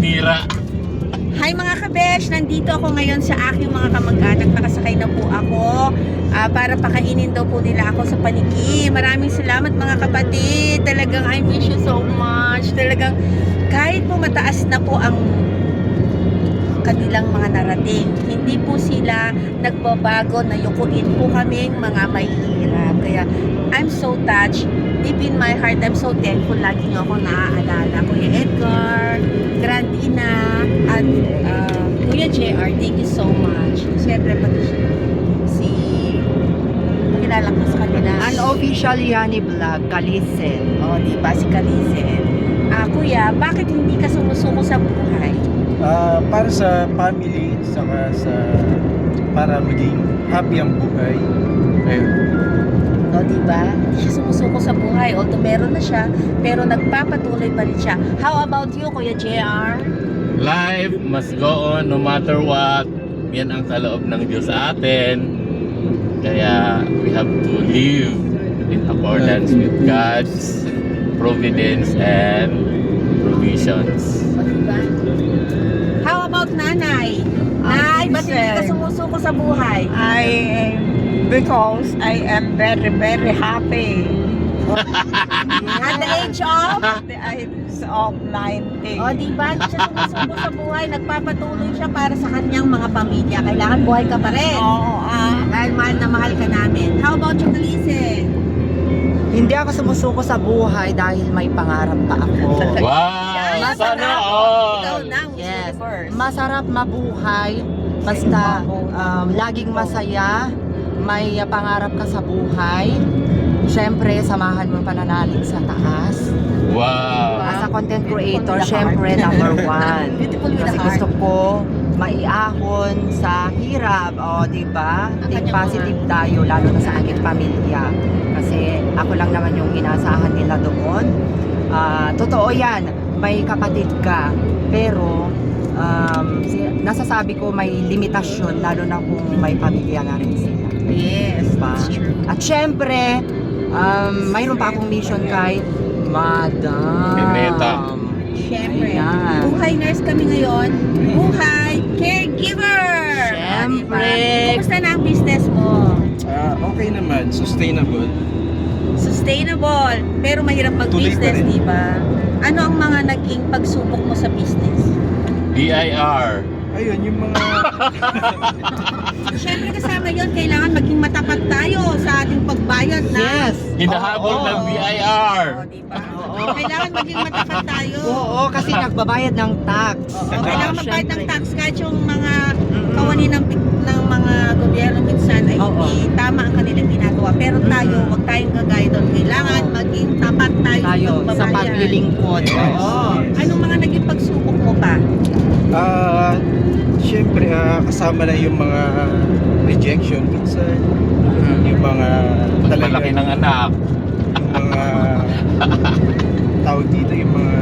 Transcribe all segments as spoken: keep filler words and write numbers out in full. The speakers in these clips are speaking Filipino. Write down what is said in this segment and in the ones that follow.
tinira. Hi mga kabesh! Nandito ako ngayon sa aking mga kamag-anak. Nakasakay na po ako ah, para pakainin daw po nila ako sa paniki. Maraming salamat mga kapatid. Talagang I miss you so much. Talagang kahit po mataas na po ang kanilang mga narating, hindi po sila nagbabago na yukuin po kaming mga mahihirap. Kaya I'm so touched. Deep in my heart, I'm so thankful. Lagi niyo ako naaalala. Kuya Edgar, Grand Ina, at uh, Kuya J R, thank you so much. Siyempre pati siya, si kilala ko sa kanila. Unofficial Yani Vlog, Kalisen. O, di ba? Si Kalisen. Ah, Kuya, bakit hindi ka sumusuko sa buhay? Ah, para sa family, saka sa para maging happy ang buhay. Ayun. O, di ba? Hindi siya sumusuko sa buhay. Although meron na siya, pero nagpapatuloy pa rin siya. How about you, Kuya J R? Life must go on no matter what. Yan ang kaloob ng Diyos sa atin. Kaya we have to live in accordance with God's providence and provisions. O, di ba? How about nanay? Nay, ba't hindi ka sumusuko sa buhay? I because I am very very happy At the age of? at the age of ninety. O, di ba? Hindi siya sumusuko sa buhay. Nagpapatuloy siya para sa kanyang mga pamilya. Kailangan buhay ka pa rin. Oo, ah, Dahil mahal na mahal ka namin. How about you, Kalise? hindi ako sumusuko sa buhay dahil may pangarap pa ako. Wow! Yan, Sana Ikaw all! na, Miss Yes. Universe. Masarap mabuhay basta um, laging masaya, may uh, pangarap ka sa buhay. Siyempre, samahan mo pananalig sa taas. Wow! As a content creator, Beautiful with a syempre heart. number one. Beautiful with Kasi a gusto heart. ko maiahon sa hirap, o di ba? Ang Think kanyang positive tayo, lalo na sa aking pamilya. Kasi ako lang naman yung inaasahan nila doon. Ah, totoo yan, may kapatid ka, pero um, si- nasasabi ko may limitasyon, lalo na kung may pamilya na rin sila. Yes, Diba? that's true. At syempre, um, mayroon pa akong mission kay Madam. Pineta. Siyempre. Ayan. Buhay nurse kami ngayon. Buhay caregiver! Siyempre. Diba? Kumusta na ang business mo? Ah, okay naman, sustainable. Sustainable, pero mahirap Tuloy pa mag-business, rin. di ba? Ano ang mga naging pagsubok mo sa business? B I R. Ayun, yung mga Siyempre kasama yon, kailangan maging matapat tayo sa ating pagbayad na. Yes. Hinahabol Oo. ng B I R. O, di ba? Oo. Kailangan maging matapat tayo. Oo, kasi nagbabayad ng tax. Oo, kailangan magbayad ng Syempre. tax kahit yung mga kawani ng, ng mga gobyerno minsan ay Oo. hindi tama ang kanilang ginagawa. Pero tayo, Mm. huwag tayong gagaya doon. Kailangan Oo. maging tapat tayo, Tayo sa pagbabayad. paglilingkod. Yes. Oo. Anong mga naging pagsubok mo pa? ah, syempre ah, kasama na yung mga rejection minsan, yung mga Pagmalaki ng anak. yung mga tawag dito, yung mga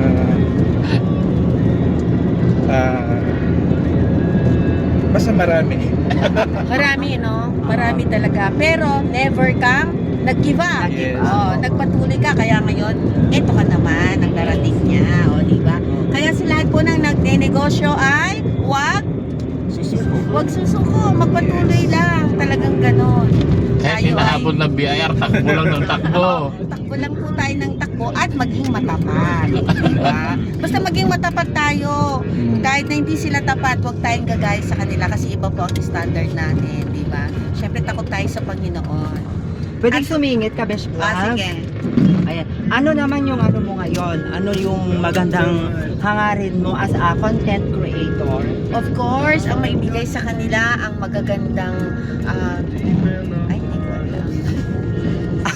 ah, basta marami. Marami, no? Marami talaga. Pero never kang nag-give up. Yes. Oh, nagpatuloy ka. Kaya ngayon, eto ka naman ang narating niya. O, di ba? Kaya sa lahat po ng nagne-negosyo ay wag, Susuko. wag susuko. Magpatuloy lang. Talagang ganon. Kahit Tayo hinahabol ng B I R, takbo lang ng takbo. Takbo lang po tayo ng takbo at maging matapat. Di ba? Basta maging matapat tayo. Kahit na hindi sila tapat, huwag tayong gagaya sa kanila kasi iba po ang standard natin. Di ba? Siyempre takot tayo sa Panginoon. Pwede sumingit ka, Besh Vlog? Ah, sige. Ayan. Ano naman yung ano mo ngayon? Ano yung magandang hangarin mo as a content creator? Of course, ang maibigay sa kanila ang magagandang ah, ay